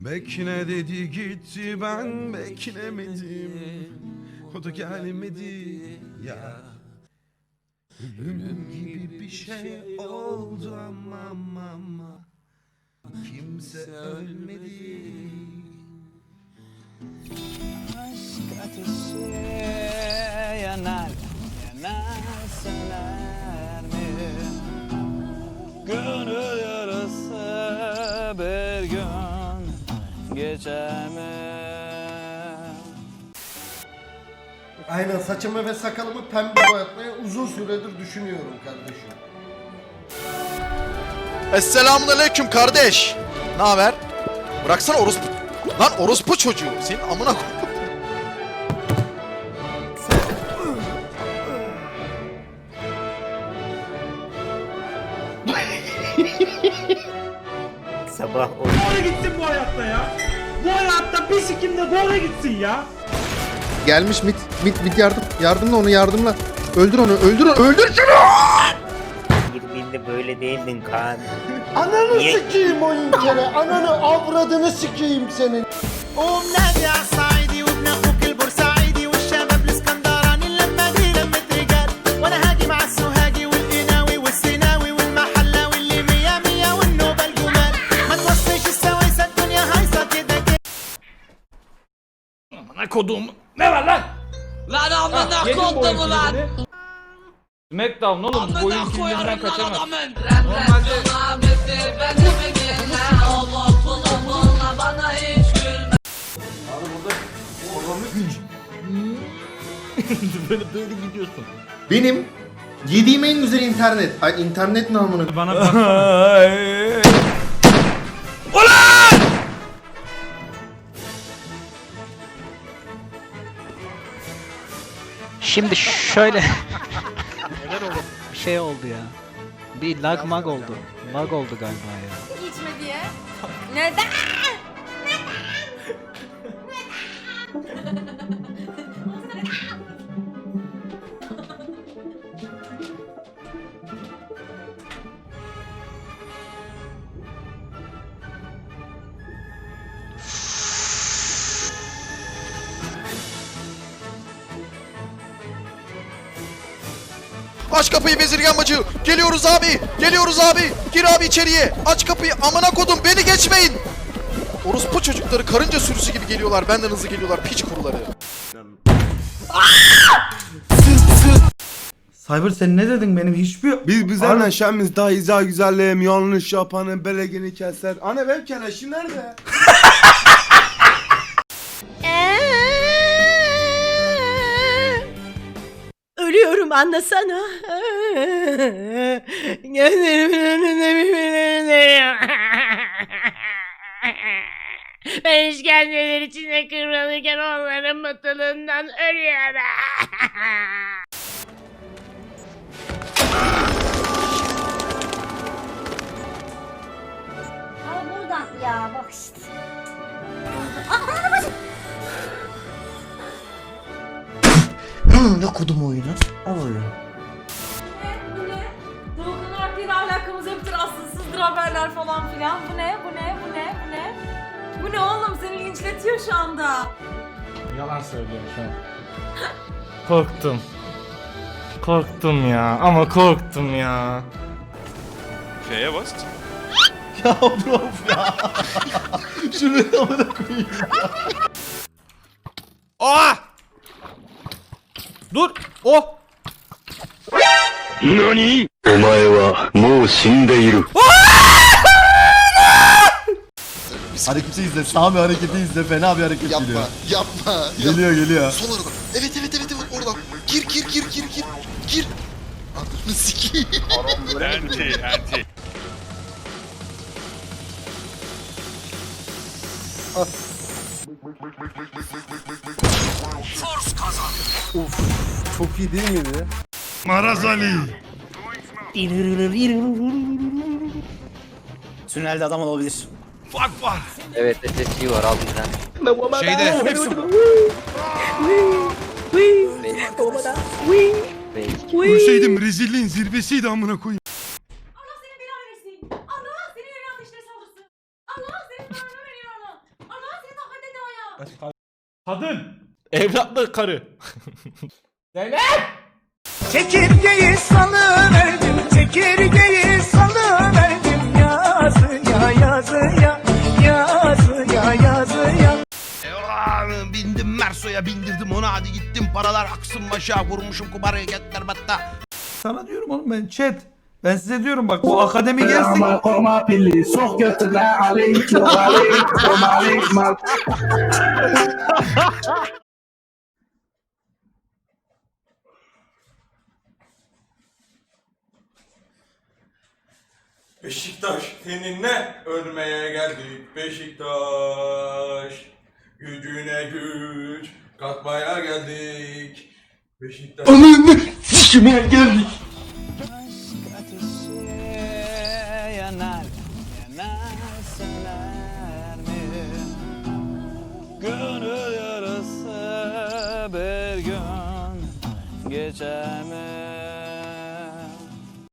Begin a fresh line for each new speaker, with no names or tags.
Bekle dedi gitti, ben beklemedim. O da gelmedi ya. Ölüm gibi bir şey oldu ama kimse ölmedi.
Aşk ateşi yanar, yanar söner mi? Gönül yarası bir gün geçer mi?
Aynen, saçımı ve sakalımı pembe boyatmayı uzun süredir düşünüyorum kardeşim.
Esselamunaleyküm kardeş. Ne haber? Bıraksana orospu. Lan orospu çocuğu. Senin amına koy.
Sabah
Doğru gitsin bu hayatta ya. Bu hayatta bir sikim de doğru gitsin ya.
Gelmiş mit yardım. Yardımla onu yardımla. Öldür onu öldür şunu.
Girdiğinde böyle değildin Kaan.
Ananı sikeyim oyun kere, ananı avradını sikeyim senin.
ومنادي عالصعيدي وابن اخوك البورسعيدي والشباب الاسكندراني اللمه دي لمه رجال وانا هاجي مع السوهاجي والقناوي والسيناوي والمحلاوي اللي مية مية والنوبه الجمال ما توصيش السويسه الدنيا هايصه كده كده.
Amına koduğum. Ne var lan?
Lan amına kodum ulan.
Smackdown oğlum, bu oyun filminden kaçamaz.
Normalde ben de gene Allah kulağına bana hiç gülme.
böyle gidiyorsun.
Benim yediğim en güzel internet. Ay internet namını.
Bana bak.
Şimdi şöyle bir şey oldu ya. Bir lag mag oldu. Lag oldu galiba ya.
İçme diye. Neden?
Aç kapıyı bezirgen bacı. Geliyoruz abi. Geliyoruz abi. Gir abi içeriye. Aç kapıyı. Amına kodum, beni geçmeyin. Orospu çocukları karınca sürüsü gibi geliyorlar. Benden hızlı geliyorlar. Piç kuruları.
Cyber sen ne dedin, benim hiçbir...
Biz neşemiz daha izah güzelliğim, yanlış yapanın belegini keser. Anne benim keleşim nerede?
Ölüyorum, anlasana. Gözlerimin önünde birbirlerine. Ben işkenceler içinde kıvrılırken onların mutluluğundan ölüyorum.
Ay buradan ya bak işte.
Ne kodum oyunu? Al oyunu.
Bu ne? Doğukan Arpi'yle alakamız yoktur, asılsızdır haberler falan filan. Bu ne? Bu ne? Bu ne? Bu ne? Bu ne oğlum? Seni linçletiyor şu anda.
Yalan söylüyorum şu an. Korktum. Korktum ya, ama korktum ya.
F'ye bas.
Ya bro ya. Şunu amına koyayım.
Aa!
Dur! Oh!
Nani? Omae wa mou shindeiru.
Hareketi izle. Sami hareketi izle. Fena bir hareket geliyor.
Yapma.
Geliyor.
Sol oradan. Evet oradan. Gir. Gir. Ananı sikeyim.
Anti.
Çok iyi değil miydi?
Maraz Ali.
Tünelde adam olabilir.
Fuck var.
Evet SSG var al bizden.
Şeyde. Ölseydim rezilliğin zirvesiydi amına koyayım.
Allah seni belanı versin. Allah seni yöne ateşleri saldırsın. Allah senin belanı veriyor onu.
Kadın.
Evlatlı karı.
Çekirgeyi salıverdim, çekirgeyi salıverdim. Yazıya yazıya, yazıya yazıya.
Bindim Merso'ya bindirdim onu hadi gittim paralar aksın başa vurmuşum kumaraya getler batta.
Sana diyorum oğlum ben chat. Ben size diyorum bak bu akademi gelsin.
Beşiktaş seninle ölmeye geldik Beşiktaş. Gücüne güç katmaya geldik. Beşiktaş. Ananı sikime geldik.
Yanar, yanar söner mi? Gönül yarası bir gün geçer mi?